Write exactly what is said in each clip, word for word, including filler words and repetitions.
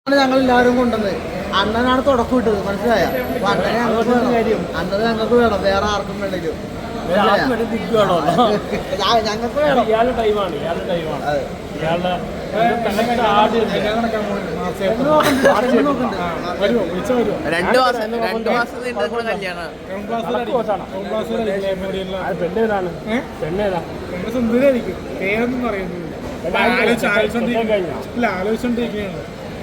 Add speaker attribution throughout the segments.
Speaker 1: ഞങ്ങൾ എല്ലാവരും കൊണ്ടുവന്നത് അണ്ണനാണ് തുടക്കം ഇട്ടത്, മനസ്സിലായ? അപ്പൊ അണ്ണനെ ഞങ്ങൾക്ക് വേണം, അണ്ണന് ഞങ്ങൾക്ക് വേണം, വേറെ ആർക്കും വേണ്ടില്ല. ഞങ്ങൾക്ക് വേണം.
Speaker 2: രണ്ട് മാസം രണ്ട് മാസം കല്യാണം
Speaker 3: പെണ്ണേതാണ് പെണ്ണേതാ പെണ്ണ് സുന്ദരായിരിക്കും, പേരൊന്നും പറയുന്നില്ല. ഇല്ല, ആലോചിച്ചോണ്ടിരിക്കുകയാണ്.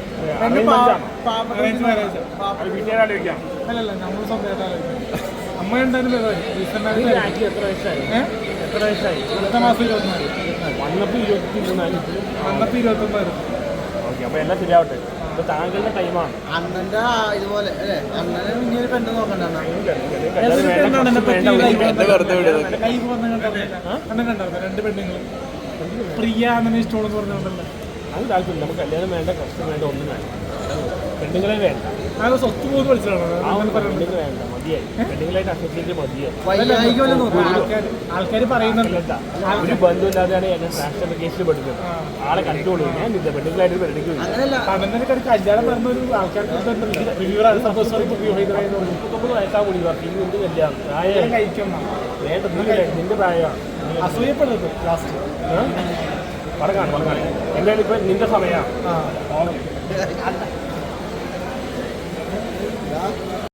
Speaker 3: അല്ലല്ല, നമ്മൾ സ്വന്തമായിട്ട് അമ്മ എന്തായാലും എത്ര വയസ്സായി എത്ര വയസ്സായി അടുത്ത മാസം ഇരുപത്തിനാല് വന്നപ്പോൾ ഇരുപത്തി മൂന്നാല് വന്നപ്പോൾ ഇരുപത്തൊന്നായിരുന്നു. ഓക്കെ, അപ്പോൾ എല്ലാം ശരിയാവട്ടെ. ഇപ്പൊ താങ്കളുടെ ടൈമാണ്.
Speaker 1: അണ്ണന്റെ ഇതുപോലെ അല്ലേ, അണ്ണനെ ഇങ്ങനെ പെണ്ണ് നോക്കണ്ട.
Speaker 3: അണ്ണൻ കണ്ടായിരുന്നു രണ്ട് പെണ്ണുങ്ങൾ, പ്രിയ അണ്ണനെ ഇഷ്ടമെന്ന് പറഞ്ഞുകൊണ്ടല്ലേ. അത് താല്പര്യം. നമുക്ക് കല്യാണം വേണ്ട, കഷ്ടം വേണ്ട, ഒന്നും വേണ്ട. പെണ്ണുങ്ങളെ വേണ്ട.
Speaker 1: അത് സ്വത്ത് പോകുന്ന മനസ്സിലാണോ?
Speaker 3: പെണ്ണുങ്ങൾ വേണ്ട, മതിയായി. പെണ്ണുങ്ങളായിട്ട് അസോസിയേറ്റ് മതിയായി.
Speaker 1: ആൾക്കാർ പറയുന്നുണ്ട്
Speaker 3: ഒരു ബന്ധമില്ലാതെയാണ് എന്നെ ട്രാൻസ്ജെൻഡർ കേസിൽ പെടുന്നത്. ആളെ കണ്ടുകൊള്ളു. ഞാൻ നിന്റെ പെണ്ണുങ്ങളായിട്ട് പെണ്ണിക്കും കല്യാണം പറഞ്ഞ ഒരു ആൾക്കാർക്ക് മുപ്പത്തൊമ്പത് വയസ്സാ കൂടി പറഞ്ഞു. ഇനി എന്ത് കല്യാണം പ്രായം കഴിക്കണം വേണ്ട, നിന്റെ പ്രായമാണ്. അസൂയപ്പെടുന്നത് ലാസ്റ്റ് പറഞ്ഞാണ് പറഞ്ഞാണ് എന്തായാലും ഇപ്പം നിന്റെ സമയമാണ്.